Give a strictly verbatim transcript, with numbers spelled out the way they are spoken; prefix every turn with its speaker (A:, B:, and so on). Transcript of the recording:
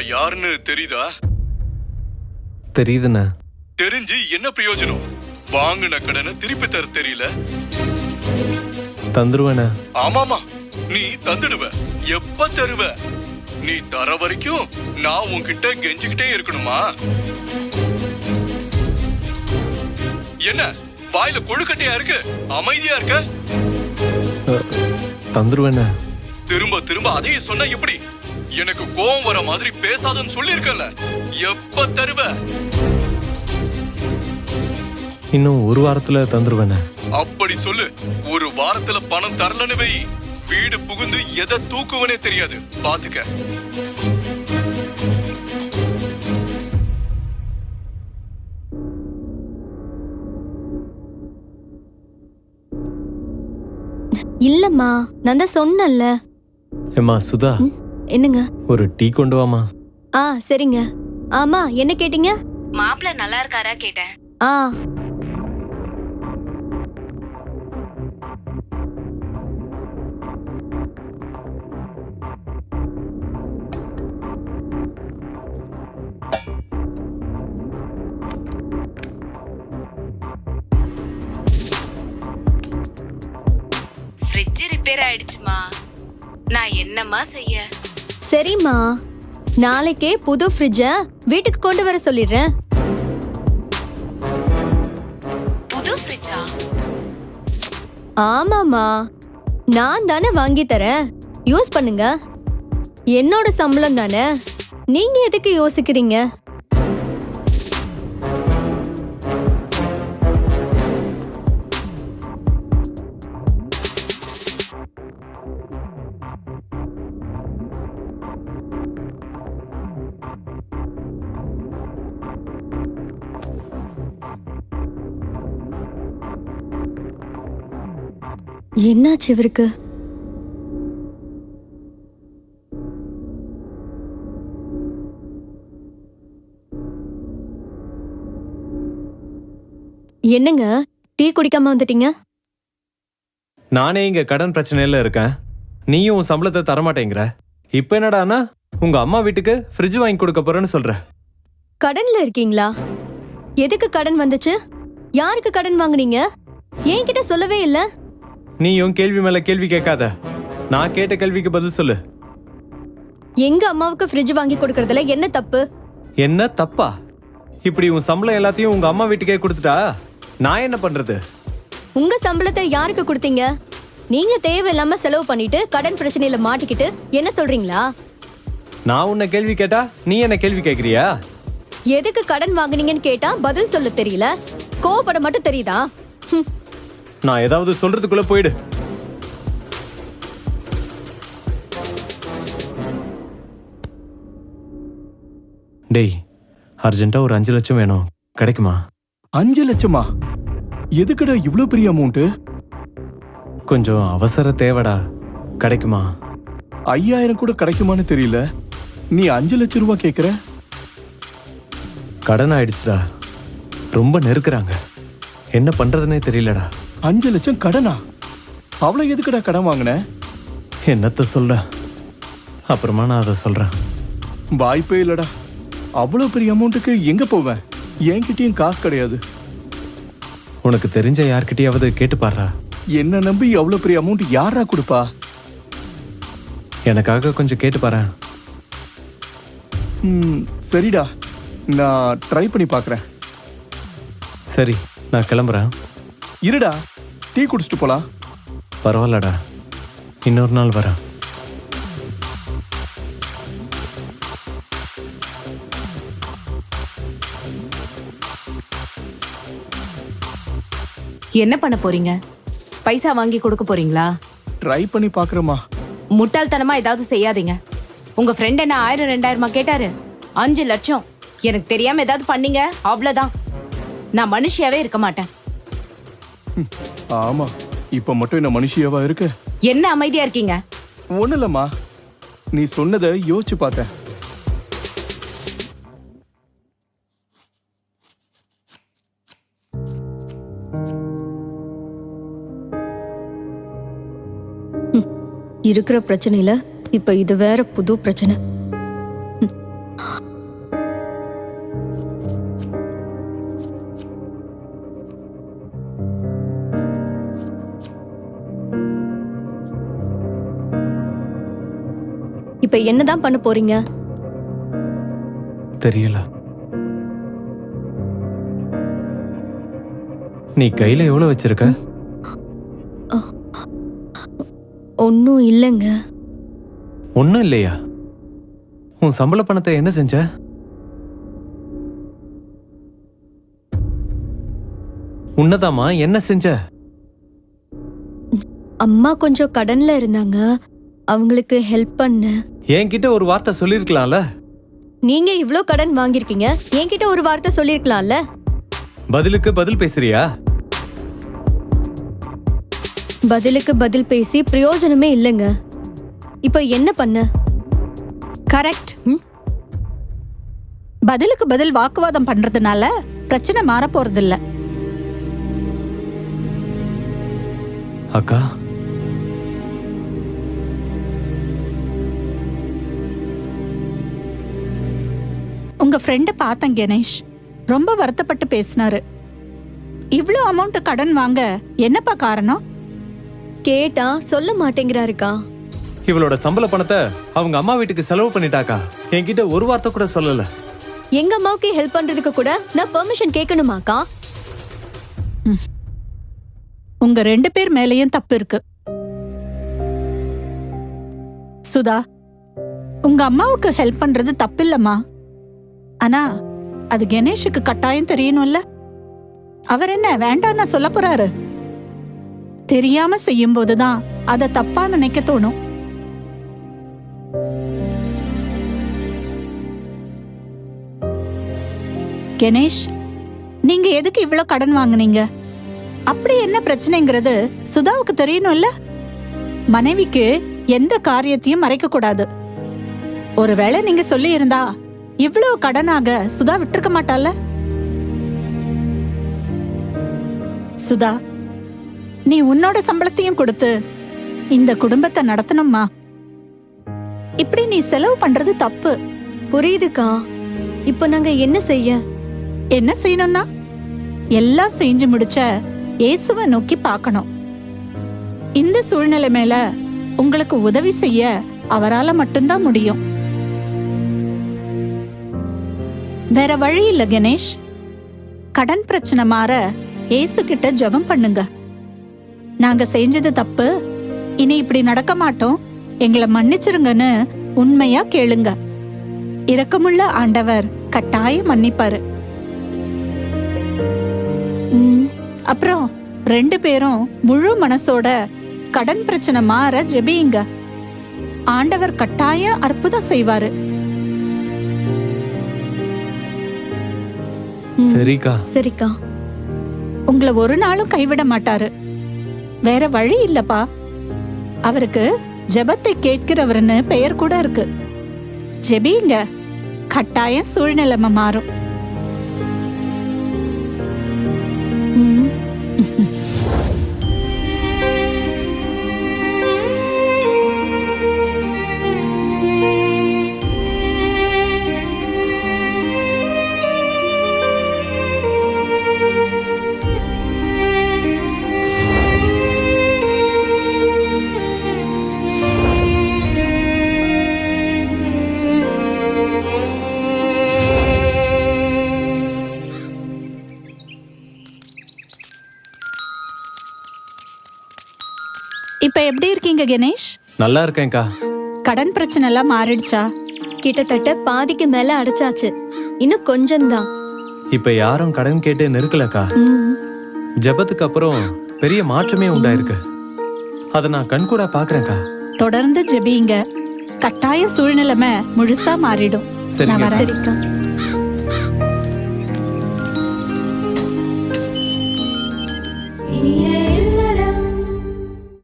A: நான் யாருன்னு தெரியுதா?
B: தெரியுதுண்ணா.
A: தெரிஞ்சு என்ன பிரயோஜனம்? வாங்கின கடனை திருப்பி தர தெரியல.
B: தந்துருவேண்ணா.
A: ஆமாமா, நீ தந்துடுவ. எப்ப தருவ? நீ தர வரைக்கும் நான் உன்கிட்ட கெஞ்சிக்கிட்டே இருக்கணுமா? என்ன வாயில கொழுக்கட்டையா இருக்கு? அமைதியா இருக்க?
B: தந்துருவேண்ணா.
A: திரும்ப திரும்ப அதையே சொன்னா எப்படி? எனக்கு கோவம் வர மாதிரி பேசாதன்னு சொல்லி இருக்கல. எப்ப தருவ?
B: இன்னும் ஒரு வாரத்துல தந்துருவேண்ணா.
A: அப்படி சொல்லு. ஒரு வாரத்துல பணம் தரலன்னு வை, வீடு புகுந்து எதை தூக்குவனே தெரியாது. பாத்துக்க.
C: இல்லம்மா, நான் தான் சொன்னேன்ல.
B: ஏம்மா சுதா,
C: என்னங்க?
B: ஒரு டீ கொண்டு வாமா.
C: ஆ சரிங்க. ஆமா, என்ன கேட்டீங்க?
D: மாப்பிள்ள நல்லா இருக்காரா கேட்டேன்.
C: ஆ
D: ஃப்ரிட்ஜ் ரிப்பேர் ஆயிடுச்சுமா. நான் என்னம்மா செய்ய?
C: சரிம்மா, நாளைக்கே புது ஃப்ரிட்ஜ வீட்டுக்கு கொண்டு வர சொல்லிடுறேன்.
D: புது ஃப்ரிட்ஜா?
C: ஆமாமா, நான் தானே வாங்கி தரேன், யூஸ் பண்ணுங்க. என்னோட சம்பளம் தானே, நீங்க எதுக்கு யோசிக்கிறீங்க? என்னாச்சு இவருக்கு? என்னங்க, டீ குடிக்காம வந்துட்டீங்க?
B: நானே இங்க கடன் பிரச்சனையில இருக்கேன். நீயும் உன் சம்பளத்தை தரமாட்டேங்கிற. இப்ப என்னடானா உங்க அம்மா வீட்டுக்கு ஃப்ரிட்ஜ் வாங்கி கொடுக்க போறேன்னு சொல்ற.
C: கடன்ல இருக்கீங்களா? எதுக்கு கடன் வந்துச்சு? யாருக்கு கடன் வாங்குனீங்க? என்கிட்ட சொல்லவே இல்ல.
B: நீயும் கேள்வி மேல கேள்வி கேட்காத. நான் கேட்ட கேள்விக்கு பதில் சொல்லு.
C: எங்க அம்மாவுக்கு ஃப்ரிட்ஜ் வாங்கி கொடுக்கறதுல என்ன தப்பு?
B: என்ன தப்பா? இப்படி உன் சம்பளம் எல்லாத்தையும் உங்க அம்மா வீட்டுக்கே கொடுத்துட்டா நான் என்ன பண்றது?
C: உங்க சம்பளத்தை யாருக்கு கொடுத்தீங்க? நீங்க தேவையில்லாம செலவு பண்ணிட்டு கடன் பிரச்சனையில மாட்டிக்கிட்டு என்ன சொல்றீங்களா?
B: நான் உன்னை கேள்வி கேட்டா நீ என்ன கேள்வி கேக்குறியா?
C: எதுக்கு கடன் வாங்குனீங்கன்னு கேட்டா பதில் சொல்ல தெரியல, கோவப்பட மட்டும் தெரியுதா? ஹம்.
B: நான் ஏதாவது சொல்றதுக்குள்ள போயிடு. டேய், அர்ஜென்ட்டா ஒரு அஞ்சு லட்சம் வேணும், கிடைக்குமா?
E: அஞ்சு லட்சமா? எதுக்குடா இவ்ளோ பெரிய அமௌண்ட்?
B: கொஞ்சம் அவசர தேவைடா, கிடைக்குமா?
E: ஐயாயிரம் கூட கிடைக்குமான்னு தெரியல, நீ அஞ்சு லட்சம் ரூபாய் கேக்குற?
B: கடன் ஆயிடுச்சுடா, ரொம்ப நெருக்குறாங்க, என்ன பண்றதுன்னே தெரியலடா.
E: அஞ்சு லட்சம் கடனா? அவ்வளவு எதுக்குடா கடன் வாங்கின?
B: என்னத்த சொல்ற, அப்புறமா நான் அதை சொல்றேன்.
E: வாய்ப்பே இல்லடா, அவ்வளவு பெரிய அமௌண்ட்டுக்கு எங்க போவேன்? என்கிட்டயும் காசு கிடையாது.
B: உனக்கு தெரிஞ்ச யார்கிட்டயாவது கேட்டு பாடுறா.
E: என்ன நம்பி அவ்வளவு பெரிய அமௌண்ட் யாரா கொடுப்பா?
B: எனக்காக கொஞ்சம் கேட்டு பாரு.
E: ம், சரிடா, நான் ட்ரை பண்ணி பார்க்கறேன்.
B: சரி, நான் கிளம்புறேன்.
E: இருடா, டீ குடிச்சிட்டு போலாம்.
B: பரவாயில்லடா, இன்னொரு நாள் வரேன்.
D: என்ன பண்ண போறீங்க? பைசா வாங்கி கொடுக்க போறீங்களா?
E: ட்ரை பண்ணி பார்க்கறேம்மா.
D: முட்டாள்தனமா ஏதாவது செய்யாதீங்க. உங்க ஃப்ரெண்ட் என்ன ஆயிரம் ரெண்டாயிரமா கேட்டாரு? அஞ்சு லட்சம் எனக்கு தெரியாம ஏதாவது பண்ணீங்க அவ்வளவுதான். நான் மனுஷியாவே இருக்க மாட்டேன்.
E: ஆமா, இப்ப மட்டும் என்ன மனுஷியாவா இருக்கு?
D: என்ன அமைதியா இருக்கீங்க?
E: ஒண்ணு இல்லம்மா, நீ சொன்னதை யோசிச்சு பார்த்தேன்.
C: இருக்கிற பிரச்சனையில இப்ப இது வேற புது பிரச்சனை. இப்ப என்னதான் பண்ண போறீங்க?
B: தெரியல. நீ கையில எவ்வளவு வச்சிருக்க?
C: ஒன்னும் இல்லைங்க.
B: ஒன்னும் இல்லையா? உன் சம்பள பணத்தை என்ன செஞ்ச? உன்னதாமா என்ன செஞ்ச?
C: அம்மா கொஞ்சம் கடன்ல இருந்தாங்க, அவங்களுக்கு ஹெல்ப் பண்ண.
B: என்கிட்ட ஒரு வார்த்தை சொல்லிருக்கலாம்ல.
C: நீங்க இவ்ளோ கடன் வாங்கிருக்கீங்க, என்கிட்ட ஒரு வார்த்தை சொல்லிருக்கலாம்ல.
B: பதிலுக்கு பதில் பேசுறியா?
C: பதிலுக்கு பதில் பேசி பிரயோஜனமே இல்லைங்க. இப்ப என்ன பண்ண?
F: கரெக்ட். பதிலுக்கு பதில் வாக்குவாதம் பண்றதுனால பிரச்சனை மாற போறது இல்ல.
B: அக்கா,
F: உங்க ஃப்ரெண்ட பார்த்தேன் கணேஷ், ரொம்ப வருத்தப்பட்டு பேசினாரு. இவ்ளோ அமௌண்ட் கடன் வாங்க என்னப்பா காரணம்?
C: கேட்டா சொல்ல மாட்டேங்கிறாருக்கா.
B: இவளோட சம்பள பணத்தை அவங்க அம்மா வீட்டுக்கு செலவு பண்ணிட்டாக்கா. என்கிட்ட ஒரு வார்த்தை கூட சொல்லல.
C: எங்க அம்மாவுக்கு ஹெல்ப் பண்றதுக்கு கூட நான் பெர்மிஷன் கேட்கணுமாக்கா?
F: உங்க ரெண்டு பேர் மேலயும் தப்பு இருக்கு. சுதா, உங்க அம்மாவுக்கு ஹெல்ப் பண்றது தப்பில்லம்மா. ஆனா அது கணேஷுக்கு கட்டாயம் தெரியணும்ல. அவர் என்ன வேண்டாம்னு சொல்ல போறாரு? தெரியாம செய்யும் போதுதான் அத தப்பா நினைக்க தோணும். கணேஷ், நீங்க எதுக்கு இவ்ளோ கடன் வாங்குனீங்க? அப்படி என்ன பிரச்சனைங்கிறது சுதாவுக்கு தெரியணும்ல. மனைவிக்கு எந்த காரியத்தையும் மறைக்க கூடாது. ஒருவேளை நீங்க சொல்லி இருந்தா இவ்வளவு கடனாக சுதா விட்டுருக்க மாட்டால. சுதா, நீ உன்னோட சம்பளத்தையும் கொடுத்து இந்த குடும்பத்தை நடத்தணும்மா. இப்படி நீ செலவு பண்றது தப்பு.
C: புரியுதுக்கா. இப்ப நாங்க என்ன செய்ய?
F: என்ன செய்யணும்னா எல்லாம் செஞ்சு முடிச்ச இயேசுவை நோக்கி பார்க்கணும். இந்த சூழ்நிலை மேல உங்களுக்கு உதவி செய்ய அவரால மட்டும்தான் முடியும். வேற வழி இல்ல கணேஷ். கடன் பிரச்சனை மாற இயேசு கிட்ட ஜெபம் பண்ணுங்க. நாங்க செஞ்சது தப்பு, இனி இப்படி நடக்க மாட்டோம், எங்களை மன்னிச்சிருங்கன்னு உண்மையா கேளுங்க. இரக்கமுள்ள ஆண்டவர் கட்டாயம் மன்னிப்பாரு. அப்புறம் ரெண்டு பேரும் முழு மனசோட கடன் பிரச்சனை மாற ஜெபியுங்க. ஆண்டவர் கட்டாயம் அற்புதம் செய்வாரு.
B: சரிக்கா.
C: சரிக்கா.
F: உங்களை ஒரு நாளும் கைவிட மாட்டாரு. வேற வழி இல்லப்பா. அவருக்கு ஜெபத்தை கேட்கிறவர்னு பெயர் கூட இருக்கு. ஜெபியுங்க, கட்டாயம் சூழ்நிலைமை மாறும். இப்ப எப்படி இருக்கீங்க கணேஷ்?
B: நல்லா இருக்கேன்க்கா.
F: கடன் பிரச்சனை எல்லாம் மாறிடுச்சா?
C: கிட்டத்தட்ட பாதிக்கு மேல அடைச்சாச்சு. இன்னும் கொஞ்சம்தான்.
B: இப்ப யாரும் கடன் கேட்டு நெருக்கலக்கா. ஜெபத்துக்கு அப்புறம் பெரிய மாற்றமே உண்டாயிருக்கு. அத நான் கண்கூடா பாக்குறேன்க்கா.
F: தொடர்ந்து ஜெபியுங்க, கட்டாய சூழ்நிலைமை முழுசா மாறிடும்.
B: சரிங்க.
F: நான் வரேன்.
C: சரிக்கா.